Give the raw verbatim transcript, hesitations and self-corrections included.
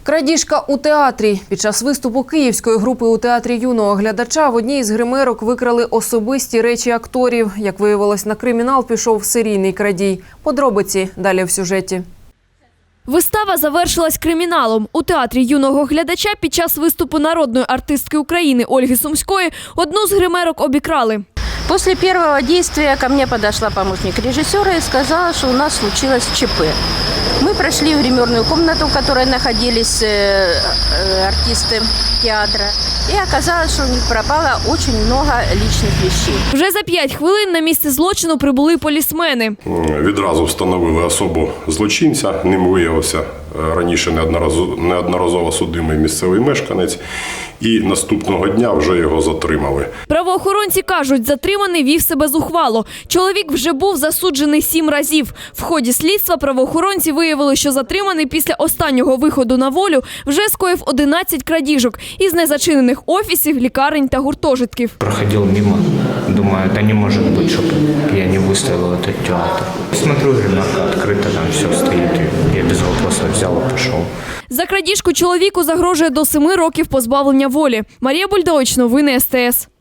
Крадіжка у театрі. Під час виступу київської групи у театрі юного глядача в одній із гримерок викрали особисті речі акторів. Як виявилось, на кримінал пішов серійний крадій. Подробиці далі в сюжеті. Вистава завершилась криміналом. У театрі юного глядача під час виступу народної артистки України Ольги Сумської одну з гримерок обікрали. После первого действия ко мне подошла помощник режиссера и сказала, что у нас случилось ЧП. Мы прошли в гримерную комнату, в которой находились артисты театра. И оказалось, что у них пропало очень много личных вещей. Вже за п'ять хвилин на місце злочину прибули полісмени. Відразу встановили особу злочинця. Ним виявився раніше неодноразово, неодноразово судимий місцевий мешканець. І наступного дня вже його затримали. Правоохоронці кажуть, затриманий вів себе зухвало. Чоловік вже був засуджений сім разів. В ході слідства правоохоронці виявили, що затриманий після останнього виходу на волю вже скоїв одинадцять крадіжок із незачинених офісів, лікарень та гуртожитків. Проходил мимо, думаю, да не может быть, чтобы я не выставил этот театр. Смотрю, ремарка открыта, там все стоит, и я без вопросов взял и пошел. За крадіжку чоловіку загрожує до семи років позбавлення волі. Марія Бульдович, новини ес те ес.